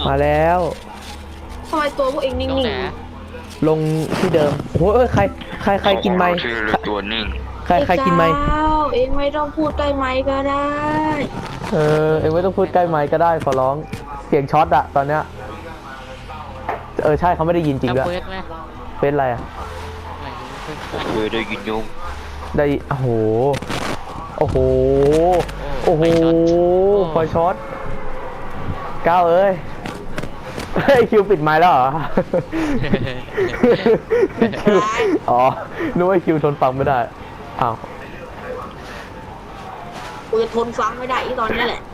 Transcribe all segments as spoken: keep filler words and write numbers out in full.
มาแล้วทำไมตัวพวกเองนิ่งลงที่เดิมโอ้ยใครใครใครกินไม้ตัวนิ่งใครใครกินไม้เองไม่ต้องพูดใกล้ไม้ก็ได้เออเองไม่ต้องพูดใกล้ไม้ก็ได้ขอร้องเสียงช็อตอะตอนเนี้ยเออใช่เขาไม่ได้ยินจริงด้วยเฟซอะไรอะเออได้ยินยงได้โอ้โหโอ้โหโอ้โหไฟช็อตก้าวเอ้ยเฮ้ยคิวปิดไม้แล้วเหรอคิวอ๋อนึกว่าคิวทนฟังไม่ได้อ้าวกูจะทนฟังไม่ได้อีตอนนี้แหละ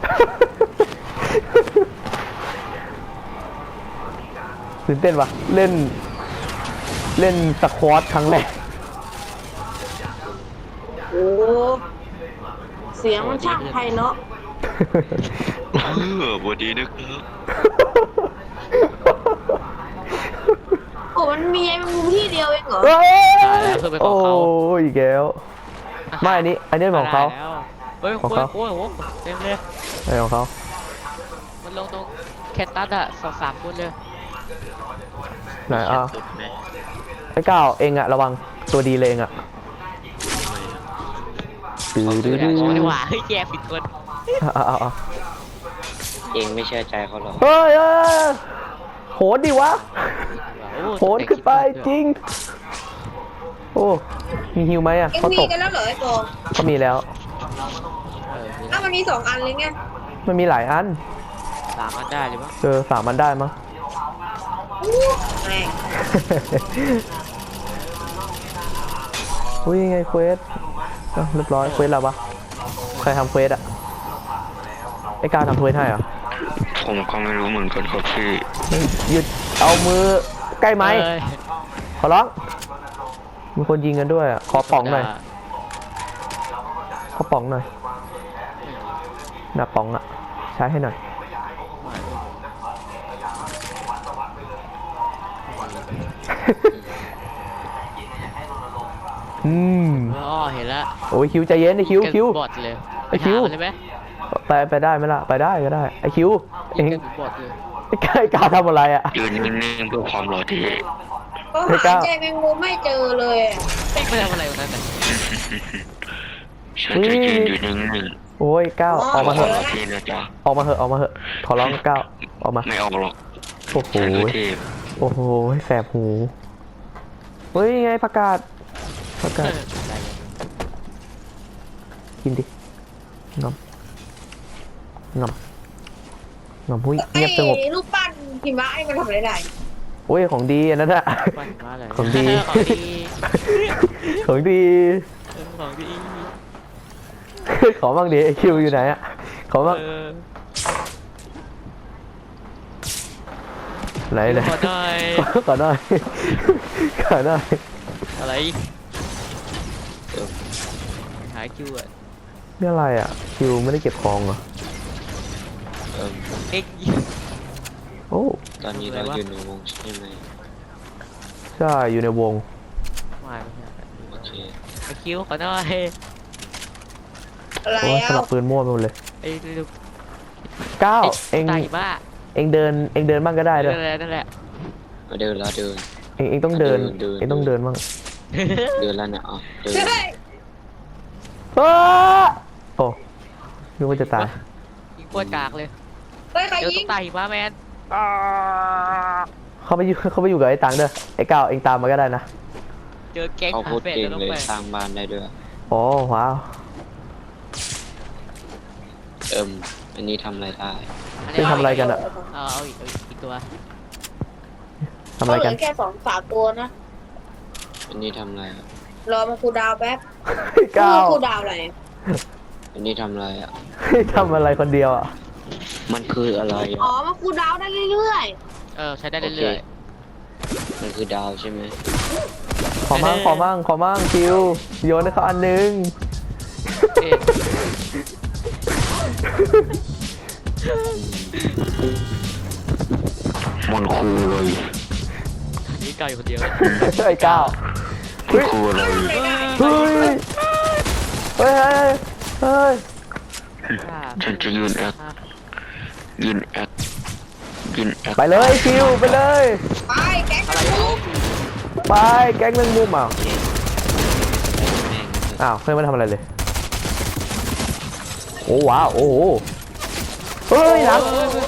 ตื่นเต้นปะเล่นเล่นสควอตครั้งแรกโอ้เสียงมันช่างไพเราะเออบดีนะครับโอ้มันมีไอ้มุมที่เดียวเองเหรอโอ้ยอีกแล้วไม่อันนี้อันนี้ของเขาของเขาโอ้โหเต็มเลยไอของเขามันลงตรงแคตตัสอะสองสามคนเลยไหนอ่ะไอ้ก้าวเองอะระวังตัวดีเลยเองอะดื้อดื้อดื้อดีกว่าเฮ้ยแย่ผิดคนเองไม่เชื่อใจเขาหรอเฮ้ยโหดดิวะโหดขึ้นไปจริงโอ้มีฮิวไหมอะเขามีกันแล้วเหรอไอ้โกเขามีแล้วอ้าวมันมีสองอันเลยไงมันมีหลายอันสามอันได้หรือเปล่าเออสามอันได้มั้งอุ้ยไงเควสเรียบร้อยเควสแล้วปะใครทำเควสอะไอ้การทำเควสให้เหรอผมก็ไม่รู้เหมือนกันครับพี่หยุดเอามือใกล้ไหมขอร้องมีคนยิงกันด้วยอ่ะขอป๋องหน่อยขอป๋องหน่อยหน้าป๋องอ่ะใช้ให้หน่อยอืมอ๋อเห็นแล้วโอ้ยคิวใจเย็นไอคิวคิวบอดเลยไอคิวไปไปได้ไหมล่ะไปได้ก็ได้ไอคิวเองไอ้ก้าก้าทำอะไรอ่ะยืนนิ่งๆเพื่อความรอที่ก็หาใจแมงมุมไม่เจอเลยไม่ไปทำอะไรวันนั้นฉันจะยืนอยู่นิ่งๆโอ้ยก้าวออกมาเถอะออกมาเถอะออกมาเถอะขอร้องก้าวออกมาไม่ออกหรอกโอ้โหโอ้โหแสบหูเฮ้ยไงประกาศประกาศกินดิงอมงอมงอมหุ้ยเงียบสงบลูกปั้นหิมะไอ้มันทำอะไรได้โอ้ยของดีอันนั้นอะของดีของดีของดีขอบ้างดิไอคิวอยู่ไหนอะขอบ้างไหนไหนขอหน่อยขอหน่อยขอหน่อยอะไรหายคิวอะนี่อะไรอะคิวไม่ได้เก็บของเหรอเอ็กโอ้ตอนนี้เราอยู่ในวงใช่ไหมใช่อยู่ในวงไม่โอเคไอคิวขอหน่อยอะไรอ่ะสลับปืนมั่วไปหมดเลยไอ้เก้าเองเองเดินเองเดินบ้างก็ได้ด้วยนั่นแหละเดินแล้วเดินเองเองต้องเดินเองต้องเดินบ้างเดินแล้วเนี่ยอ๋อเดินโอ้นึกว่าจะตายยิงปวดกากเลยเฮ้ยใครยิงตายหิมะแมนเขาไปอยู่เขาไปอยู่กับไอ้ตังเด้อไอ้ก้าวเองตามมาก็ได้นะเจอแก๊งเขาพูดเองเลยสร้างบ้านได้ด้วยโอ้ว้าวเอิ่มอันนี้ทำอะไรได้ที่ทำอะไรกันอะเอาอีกอีกตัวทำอะไรกันแค่สองสามตัวนะอันนี้ทำอะไรรอมาคูดาวแป๊บก้าวคูดาวอะไรอันนี้ทำอะไรอ่ะทำอะไรคนเดียวอ่ะมันคืออะไรอ๋อมาคูดาวได้เรื่อยๆเออใช้ได้เรื่อยๆมันคือดาวใช่ไหมขอมั่งขอมั่งขอมั่งคิวโยนให้เขาอันนึงมันคืออะไรนี่ก้าวอยู่คนเดียวไอ้ก้าวมันคืออะไรเฮ้ยเฮ้ยเฮ้ยฉันจะยืนแอคยืนแอคกินไปเลยคิวไปเลยไปแก๊งกันทุกไปแก๊งเรื่องมุมอ่ะแม่งอ้าวเพื่อนไม่ทำอะไรเลยโอ้ว้าวโอ้โหเฮ้ยหลัง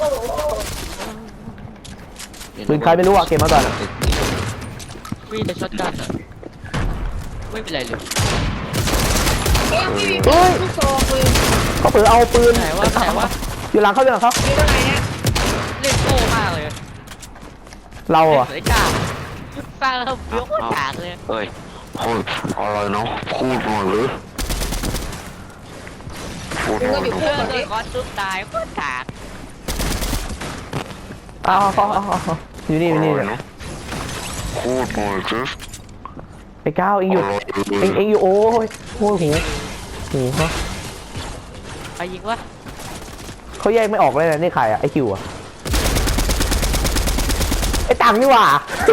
ปืนใครไม่รู้อ่ะเก็บมาก่อนอ่ะมีแต่ช็อตกันอะไม่เป็นไรเลยเอ็มไม่มีปืนลูกซองเลยเขาเปิดเอาปืนไหนวะไหนวะอยู่หลังเขาอยู่หลังเขามีตัวไหนเนี่ยเล่นโง่มากเลยเราอ่ะเล่นกล้าสร้างแล้วเบี้ยวโคตรกากเลยเฮ้ยเฮ้ยอะไรเนาะพูดหน่อยหรือพูดหน่อยเพื่อนโดนคอนตุ้มตายโคตรกากอ้าวเขาเอาเอาเอาอยู่นี่อยู่นี่อะไรเนี่ยเนาะพูดหน่อยสิไอ้ก้าวเองอยู่เองเองอยู่โอ้ยโอ้ยหูหูเขาไปยิงวะเขาแยกไม่ออกเลยนะนี่ใครอ่ะไอ้คิวอ่ะไอ้ตังนี่หว่า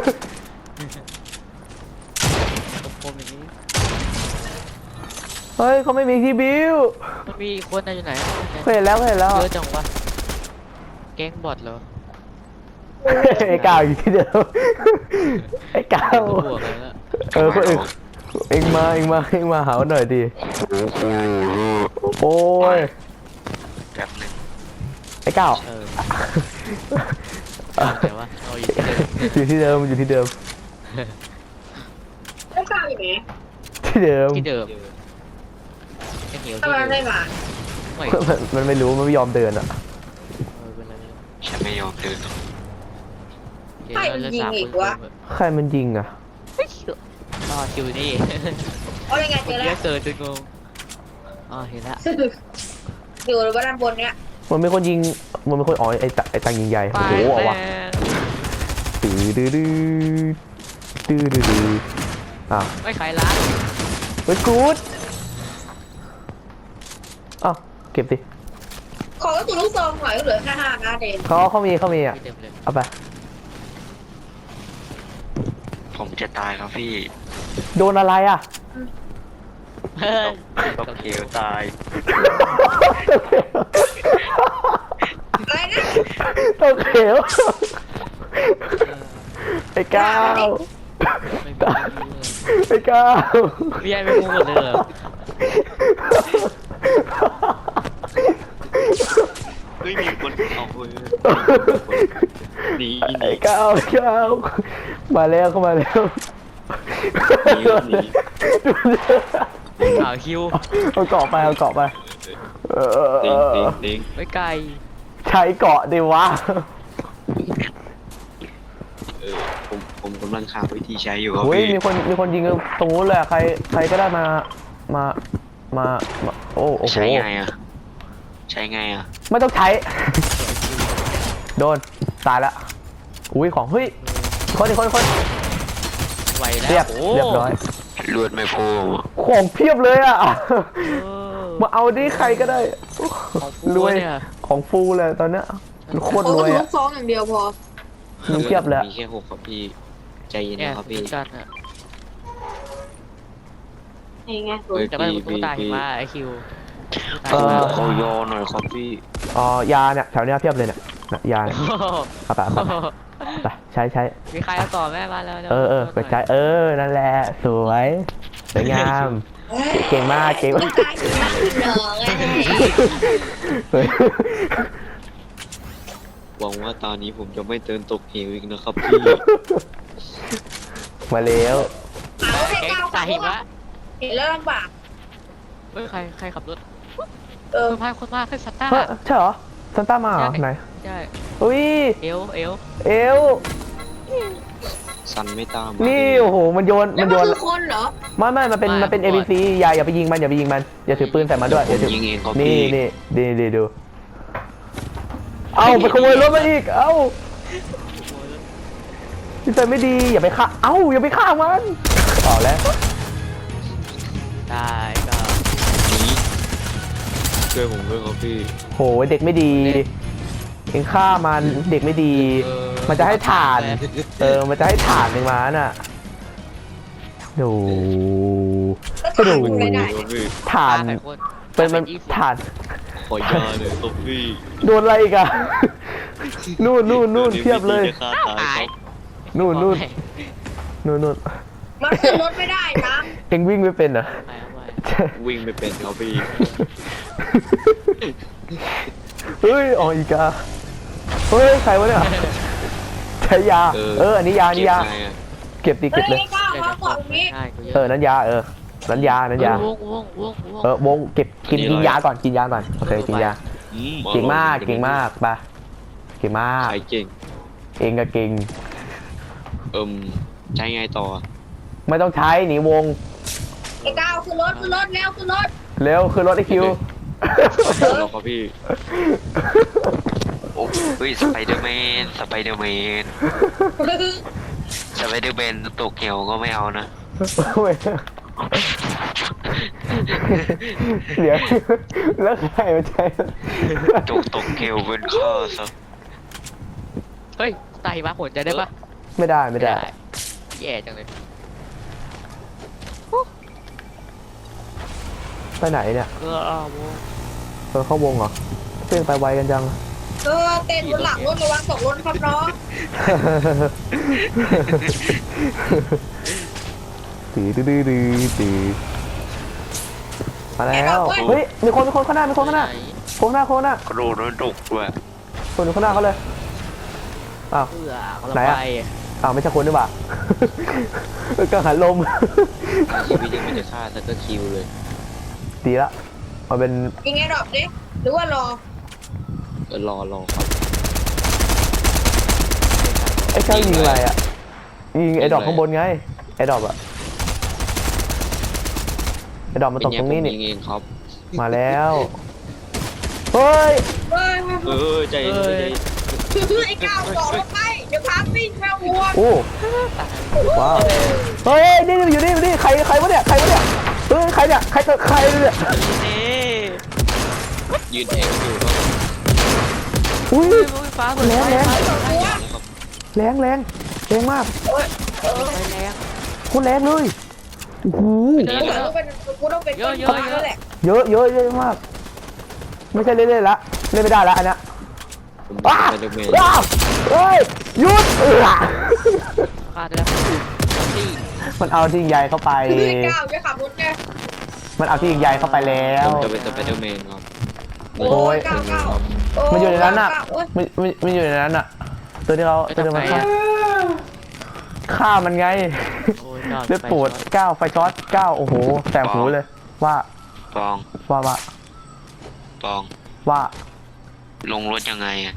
คมๆอย่างนี้เฮ้ยเขาไม่มีทีบิวมันมีอีกคนนะอยู่ไหนเคยเห็นแล้วเคยเห็นแล้วเยอะจังวะแก๊งบอทเหรอไอ้ก้าวอยู่ที่เดิมไอ้ก้าวตัวบวกเลยละเออคนอื่นเองมาเองมาเองมาหาหน่อยดิโอ้โหโอ้ยแป๊บนึงไอ้ก้าวเออเอาแต่ว่าเอาอีกเลยอยู่ที่เดิมอยู่ที่เดิมไม่ทราบอยู่ไหนที่เดิมที่เดิมแค่เหนียวทำที่ไมเดิมไม่มาไม่มันมันไม่รู้มันไม่ยอมเดินอ่ะเออเป็นไรไม่รู้ฉันไม่ยอมเดินเดี๋ยวเราจะสามคนเพิ่มใครมันยิงอ่ะอ๋ออยู่นี่เอายังไงเจอเยแล้วอะเกินจนงงอ๋อเห็นละอยู่ด้านบนเนี้ยมันเป็นคนยิงมันเป็นคนอ๋อไอ้ตะไอ้ตังยิงใหญ่ไปโอ้โหเอาแล้วะตื้อดื้อดื้อตื้อดื้อดื้ออ้าวไม่ขายร้านเฮ้ยกูดอ้าวเก็บสิขอกระสุนลูกซองหน่อยก็เหลือแค่ห้านัดเองเขาเขามีเขามีอ่ะไม่เต็มเลยเอาไปผมจะตายครับพี่โดนอะไรอ่ะเฮ้ยก็เขียวตายอะไรนะตกเขียวไอ้ก้าวไม่มีไม่มีเลยไอ้ก้าวพี่ไอ้ไม่พูดหมดเลยเหรอไม่มีคนเอาเว้ยหนีหไอ้นีก้าวไอ้ก้าวมาแล้วเข้ามาแล้วหนีหนีข่าวคิวเอาเกาะไปเอาเกาะไปเออติงติงติงไม่ไกลใช้เกาะดิวะเออผมผมกำลังหาวิธีใช้อยู่ครับเฮ้ยพี่มีคนมีคนยิงตรงนู้นเลยอะใครใครก็ได้มามามามาโอ้โอ้โหใช้ไงอ่ะใช้ไงอ่ะไม่ต้องใช้ โดนตายละอุ้ยของเฮ้ยคนอีกคนอีกคนไหวแล้เรียว บโอ้เรียบร้อยเลือดไม่พอของเพียบเลยอ่ะเออมาเอาดิใครก็ได้ของฟูรวยเนี่ยของฟูเลยตอนเนี้ยโคขอตรกรระวยสุนอ่ะลูกซองอย่างเดียวพอมีเพียบเลยมีแค่หกครับพี่ใจเย็นเนี่ยนะครับพี่เหมือนกันอะนี่ไงเฮ้ยแต่ว่าพี่ตุ๊กพี่ตาเห็นพี่ว่าไอคิวเออเขายอหน่อยครับพี่อ๋อยาเนี่ยแถวเนี้ยเพียบเลยเนี่ยน่ะยาเนี่ยเอาไปเอาไปไปใช้ใช้มีใครเอาต่อแม่มาแล้วเออเออไปใช้เออนั่นแหละสวยสวยงาม เก่งมากเก่งมากตายถึงนักถึงหนองไงเฮ้ยหวังว่าตอนนี้ผมจะไม่เดินตกเหวอีกนะครับพี่มาแล้วเอาให้แก๊งก้าวตาหิมะเห็นแล้วลำบากเฮ้ยใครใครขับรถเออคนพายคนมากขึ้นซัตต้าเฮ้ยใช่เหรอซันต้ามาเหรอไหนใช่อุ้ยเอวเอวเอวสันไม่ตามนี่โอ้โหมันโยนแล้วมันมันโยนคือคนเหรอไม่ไม่มันเป็นมันเป็น เอ บี ซี อย่าอย่าไปยิงมันอย่าไปยิงมันอย่าถือปืนใส่มันด้วยผอย่าม ถือยิงเองครับนี่พี่นี่ดีดีดูเอาไปขโมยรถมาอีกเอ้าพี่ใส่ไม่ดีอย่าไปฆ่าเอ้าอย่าไปฆ่ามันต่อแล้วได้ก็หนีช่วยผมด้วยครับพี่โหเด็กไม่ดีเองฆ่ามันเด็กไม่ดี มันจะให้ถ่าน เออมันจะให้ถ่านเองมาน่ะดูแล้วถ่ายดูคุณไม่ได้ครับพี่ถ่านใครคนเป็นมันยี่สิบถ่านขอยาเลยครับพี่โดนอะไรอีกอะนู่นนู่นนู่นเพียบเลยดี๋วนี้พี่จะฆ่าตายครับนู่นนู่นนู่นนู่นมันขึ้นรถไม่ได้นะเอ็งวิ่งไม่เป็นเหรอไปเอาไปวิ่งไม่เป็นครับพี่เฮ้ยอ๋ออีกาเฮ้ยใครวะเนี่ยใช้ยาเออเอออันนี้ยาอันนี้ยาเก็บไงอะเก็บดิเฮ้เก็บเลยยก้าวเขาบอกตรงนี้ใช่กูเยอะเออนั้นยาเออนั้นยานั้นยาวงวงวงวงเออวงเก็บกินกินยาก่อนกินยาก่อนโอเคกินยาอืมเก่งมากเก่งมากไปเก่งมากใครเก่งเองก็เก่งเอิ่มใช้ไงต่อไม่ต้องใช้หนีวงไอ้ก้าวขึ้นรถขึ้นรถเร็วขึ้นรถเร็วคือรถไอคิวรอครับพี่โอ้เฮ้ยสไปเดอร์แมนสไปเดอร์แมนสไปเดอร์แมนตกเหวก็ไม่เอานะเดี๋ยวแล้วใครมาใช้ตกตกเหวเป็นข้อซะเฮ้ยไตมาผลใจได้ปะไม่ได้ไม่ได้แย่จังเลยไปไหนเนี่ยเออเอาวงเออเข้าวงเหรอเพื่อนไปไวกันจังเออเต้นบนหลังรถระวังตกรถครับน้องตีดื้อดื้อดื้อตีมาแล้วเฮ้ยมีคนมีคนข้างหน้ามีคนข้างหน้าคนข้างหน้าคนข้างหน้ากระโดดแล้วตกด้วยคนอยู่ข้างหน้าเขาเลยอ้าวเพื่อเขาไหนไปอะ อ้าวไม่ใช่คนด้วยป่ะ กังหันลมชีวิตยังไม่จะฆ่าสักก็คิวเลยดีละมาเป็นยิงไอ้ดอกดิหรือว่ารอเออรอรอครับไอ้เจ้ายิงอะไรอ่ะยิงไอ้ดอกข้างบนไงไอ้ดอกอะไอ้ดอกมันตกตรงนี้เป็นี่ไผมยิงเองครับมาแล้วเฮ้ยเฮ้ยเออใจเย็นใจเย็นไอ้ก้าวต่อรถไปเดี๋ยวพาปิ้งแมววัวโอ้ว้าวเฮ้ยนี่นี่อยู่นี่อยู่นี่ใครใครวะเนี่ยใครวะเนี่ยเฮ้ยใครเนี่ยใครตัวใครเนี่ยนี่ยืนเองอยู่ครับอุ้ยอุ้ยฟ้าเหมือนแรงแรงครับแรงแรงแรงมากไปแรงโคตรแรงเลยโอ้โหกูต้องเป็นกูต้องเป็นต้นฟ้าแล้วแหละเยอะเยอะเยอะมาก ไม่ใช่เล่นๆละเล่นไม่ได้ละอันเนี้ยผมอ้าไปเดอร์แมนอ้าวเฮ้ยหยุดเออฆ่าได้แล้วที่มันเอาที่ยิงใหญ่เข้าไปไอ้ก้าวจะขับรถไงมันเอาที่ยิงใหญ่เข้าไปแล้วผมจะเป็นสไปเดอร์แมนครับโอ้ยก้าวก้าวมันอยู่ในนั้นอ่ะมันมันมันอยู่ในนั้นอ่ะ ตัวที่เราตัวที่มันฆ่าฆ่ามันไงโอ้ยยอดเลือดปวดเก้าไฟช็อตเก้าโอ้โหแสบหูเลย ว่าปองว่าว่าปองว่าลงรถยังไงอะ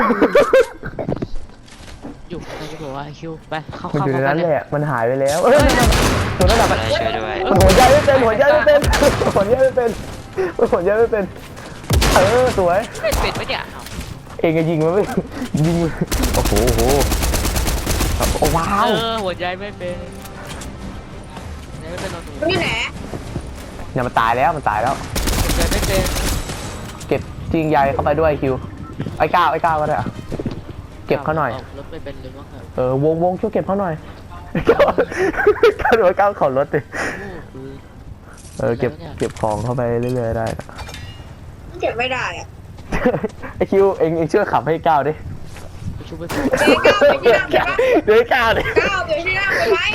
อยู่ในที่บอกว่าคิวไปเข้ามันเข้าอยู่ในเข้านั้นเลแหยละมันหายไปแล้วเอ้ยตัวนั้นแหละมันอะไรช่วยด้วยมันหัวใจไม่เป็นหัวใจไม่เป็นหัวใจไม่เป็นมันหัวใจไม่เป็นเออสวยไม่เป็นไหมเนี่ยเองก็ยิงมันไม่ยิงโอ้โหโอ้โหโอ้ว้าเอวอหัวใจไม่เป็นไม่เป็นเราหนูนี่ไหนเนี่ยมันตายแล้วมันตายแล้วหัวใจไม่เป็นเก็บจริงใยเข้าไปด้วยคิวไอ้ก้าวไอ้ก้าวก็ได้อะเก็บเขาหน่อยรถไม่เป็นเลยมั้งเหรอเออวงวงช่วยเก็บเขาหน่อยก้าวก้าวหรือว่าก้าวขอรถดิคือเออเก็บเก็บของเข้าไปเรื่อยๆได้เก็บไม่ได้อะไอคิวเองเองช่วยขับให้ก้าวดิชุบไปเดี๋ยวก้าวไปที่นั่งไปปะเดี๋ยวให้ก้าวดิก้าวเดี๋ยวที่นั่งไปไหม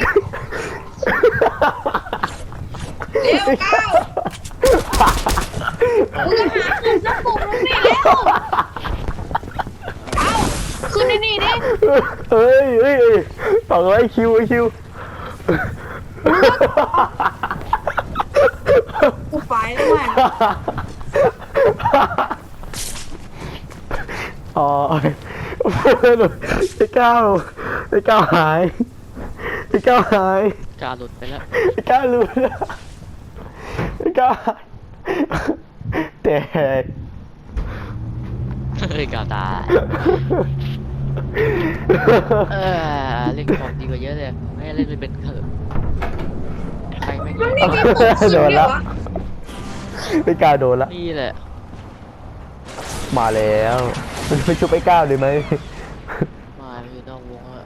เร็วก้าวมึงจะหาขึ้นสักปุ่มนึงนี่เร็วเอาขึ้นนี่นี่ดิเฮ้ยเฮ้ยเฮ้ยต่อไอคิวไอคิวกูไปแล้วแม่อ๋อไอ้ก้าวไอ้ก้าวหายไอ้ก้าวหายกาหลุดไปแล้วไอ้ก้าวหลุดไอ้ก้าวหายแต่เฮ้ยกาตายเออเล่นของดีกว่าเยอะเลยไม่เล่นไม่เป็นเถอะใครไม่มันนี่มีปุ่มขึ้นด้วยวะไอ้ก้าวโดนละนี่แหละมาแล้วมันไปชุบไอ้ก้าวเลยไหมมาอยู่นอกวงอะ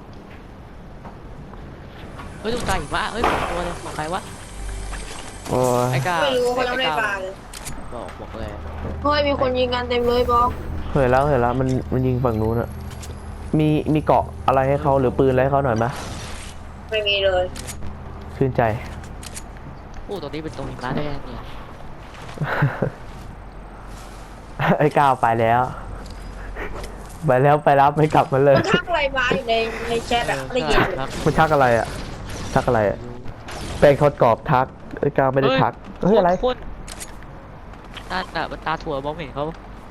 เฮ้ยตุ๊กตาหิมะเฮ้ยสองตัวเลยของใครวะโอ้ยไอ้กาไม่รู้เขายังไม่ได้ปลาเลยบบอกบอกเลยเฮ้ยมีคนยิงกันเต็มเลยบอกเห็นแล้วเห็นแล้วมันมันยิงฝั่งนู้นอะมีมีเกาะอะไรให้เขาหรือปืนอะไรให้เขาหน่อยไหมไม่มีเลยชื่นใจโอ้ตรงนี้เป็นตรงหิมะได้ยังเนี่ยไอ้ก้าวไปแล้ว ไปแล้วไปรับไม่กลับมาเลยมันทักอะไรมาอยู่ในในแชทอะได้ยินอยู่ครับมันทักอะไรอะทักอะไรอะเป็นคนกรอบทักไอ้ก้าวไม่ได้ทักเฮ้ยอะไรคนตาตาตาถั่วมองไม่เห็นเขา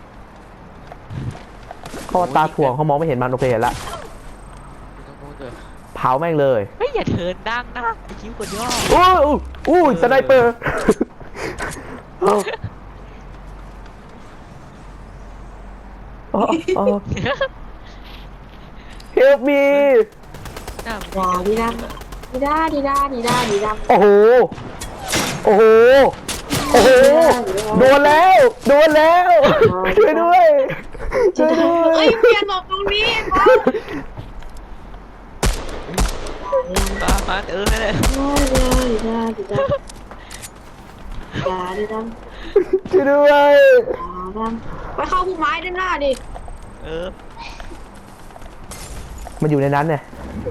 เขาตาถ่วงเขามองไม่เห็นมันโอเคเห็นละตรงนู้นเลยเผาแม่งเลยเฮ้ยอย่าเทินดังนะไอ้คิ้วคนย่ออู้อู้อู้สไนเปอร์อ๋ออ๋อ help me หน้าว้าวดีดำดีด้าดีด้าดีด้าดีดำโอ้โห โอ้โห โอ้โห โดนแล้ว โดนแล้ว ช่วยด้วย ช่วยด้วเฮ้ยยเปลี่ยนหลบตรงนี้บอสปามาเออนั่นแหละดีด้าดีด้าดีด้าดีด้าช่วยด้วยดำไปเข้าพุ่มไม้ด้านหน้าดิเออมันอยู่ในนั้นเนี่ย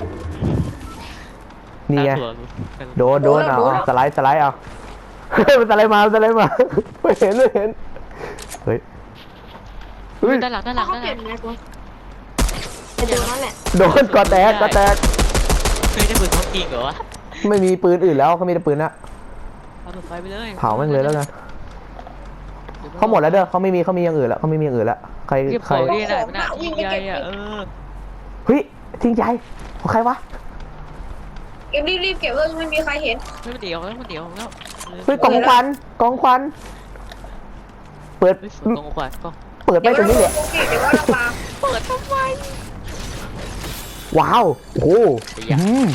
นี่ไงตาถั่วโดน โดนเอาเอาสไลด์ สไลด์เอา มันสไลด์มาสไลด์มา ไม่เห็น ไม่เห็น เฮ้ย เฮ้ยด้านหลังด้านหลังเขาด้านเปหลี่ลัยนงแม็กวะไอ้ตัวนั้นแหละโดนกอแตกกอแตกเฮ้ยได้ปืนของจริงเหรอวะไม่มีปืนอื่นแล้วเขามีแต่ปืนนะเอาเปิดไฟไปเลยเผาแม่งเลยแล้วกันเขาหมดแล้วเด้อเขาไม่มีเขามีอย่างอื่นแล้วเขาไม่มีอย่างอื่นแล้วใครเรียบใครร้อยได้ไหนมันอ่ะยิงใหญ่อ่ะเออเฮ้ยทิ้งใจของใครวะเก็บรีบๆเก็บเลยไม่มีใครเห็นไม่มันเดี๋ยวแล้วมันเดี๋ยวแล้วเฮ้ยกองควันกองควันเปิดเฮ้ยฝนตกขวานก็เปิดไปตรงนี้เนี่ยเดี๋ยวว่าเราปาเปิดทำไมว้าวโอ้โหอืม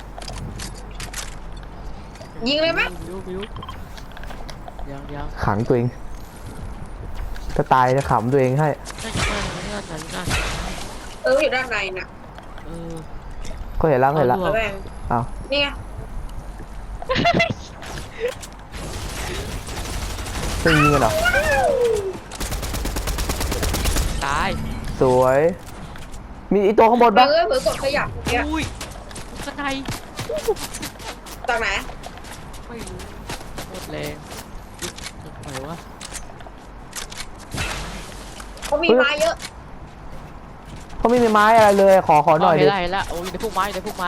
ยิงเลยไหมบิวบิวยังยังขังตัวเองถ้าตายจะขำตัวเองให้นั่นนั่นนั่นนั่นนั่นเอออยู่ด้านในน่ะเออก็เห็นแล้วเห็นแล้วระแวงอ้าวนี่ไงจะยิงกันเหรอตายสวย มีอีตัวข้างบนเอปะอเผื่อกดขยับเมื่อกี้อุ้ยข้างในจากไหนไม่รู้หมดแรงยึดทำไมวะเขามีไม้เยอะเขาไม่มีไม้อะไรเลยขอขอหน่อยเห็ดินละเห็นละโอ้ยในพวกไม้ในพวกไม้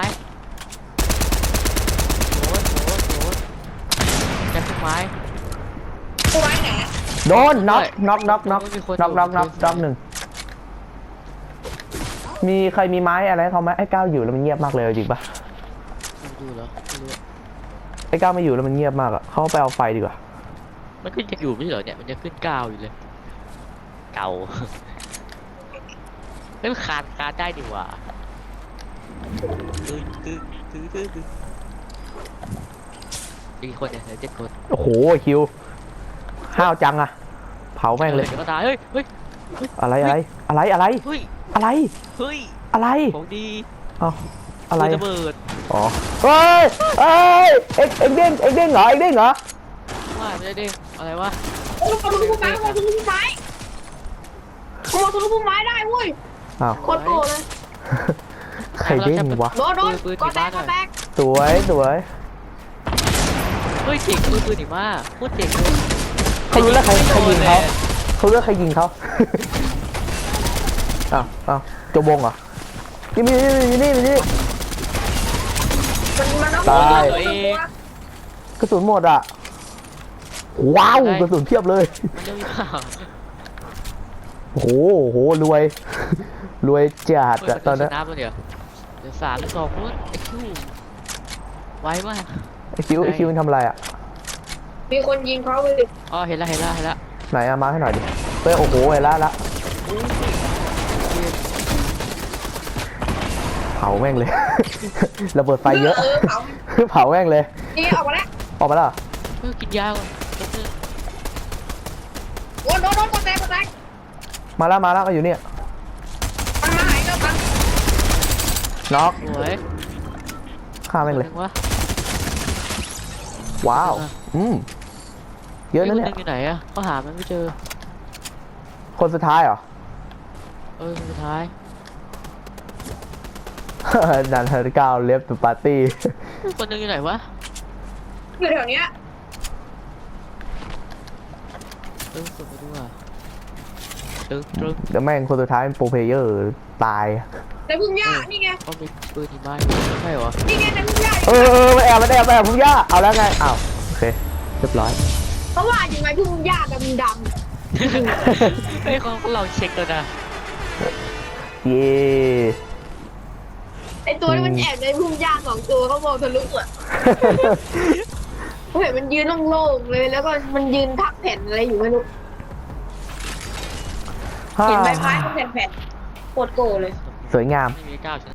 โอ้ยโอ้ยโอ้ยในพวกไม้ผู้ไม้ไหนโดนน็อกน็อกน็อกน็อกมีคนน็อกน็อกน็อกมีคนน็อกหนึ่งมีใครมีไม้อะไรให้เขาไหมไอ้ก้าวอยู่แล้วมันเงียบมากเลยเอาจริงปะมันอยู่เหรอไม่รู้อะไอ้ก้าวไม่อยู่แล้วมันเงียบมากอะเขาไปเอาไฟดีกว่ามันขึ้นจะอยู่ไม่ใช่เหรอเนี่ยมันจะขึ้นเก้าอยู่เลยเก่าเฮ้ยมันคานคานได้ดีกว่าตึ้งตึ้งตึ้งตึ้งตึ้งอีกคนเนี่ยเหลือเจ็ดคนโอ้โหคิวห้าวจังอะเผาแม่งเลยดี๋วก็ตายเฮ้ยเฮ้ยอะไรอะไรอะไรอะไรเฮ้ยอะไรเฮ้ยอะไรของดีเอ้าอะไรระเบิดอ๋อเฮ้ยเฮ้ยเอ็กเอ็กเด้งเอ็กเด้งเหรอเอ็กเด้งเหรอว่าไม่ได้เด้งอะไรวะโอ้ยเขาทะลุผู้ไม้เขาทะลุผู้ไม้เขาทะลุผู้ไม้ได้เว้ยอ้าวโคตรโกรธเลยใครเด้งวะโดนโดนก็แตกก็แตกสวยสวยเฮ้ยเจ๋งปืนปืนหนีมาโคตรเจ๋งเลยเขารู้แล้วใครใครยิงเขาเขารู้แล้วใครยิงเขาอ้าวอ้าวจบวงเหรอนี่มีนี่นี่นี่มันมันต้องตายตัวเองกระสุนหมดอ่ะว้าวกระสุนเพียบเลยมันเร็วอยู่เปล่าโอ้โหโอ้โหรวย รวยจัดเฮ้ยอะตอนนั้นชนะปะเดี๋ยวเดี๋ยวสามสองนู้นไอ้คิวไวมากไอคิวไอคิวมันทำอะไรอะมีคนยิงเขาเลยอ๋อเห็นละเห็นละเห็นละไหนอะมาให้หน่อยดิเฮ้ยโอ้โหเห็นละละเผาแม่งเลย ระเบิดไฟเยอะเออเผาเผาแม่งเลยนี่ออกมาแล้วออกมาแล้วเหรอเฮ้ยกินยาก่อนแป๊บนึงโดนโดนโดนก็แตกก็แตกมาแล้วมาแล้วมาอยู่เนี่ยมันมาหายแล้วกันน็อกสวยฆ่าแม่งเลยตัวหนึ่วะว้าว อืมเยอะนะเนี่ยคอยู่ไหนอะเขาหามันไม่เจอคนสุดท้ายเหรอเออสุดท้ายนันเฮอร์เก้าเลฟต์ปาร์ตี้คนหนึงอยู่ไหนวะอยู่แถวเนี้ยเออสุดไปดูอ่ะตึงตึงเดี๋ยวแม่งคนสุดท้ายเป็นโปรเพลเยอร์ตายในพุ่มหญ้านี่ไงเขามีปืนที่บ้านอยู่ใช่เหรอนี่ไงในพุ่มหญ้าเออเออมาแอบมาแอบมาแอบพุ่งย่าเอาแล้วไงอ้าวโอเคเรียบร้อยเพราะว่าอยู่ในพุ่มหญ้าดำดเฮ้ยเขาเราเช็คแล้วนะเย่ำไอตัวที่มันแอบในพุ่มหญ้าสองตัวเขามองทะลุอ่ะเขาเห็นมันยืนโล่งๆเลยแล้วก็มันยืนทักแผ่นอะไรอยู่ไม่รู้เห็นใบไม้เขาแผ่นๆโคตรโกรธเลยสวยงามไม่มีก้าวช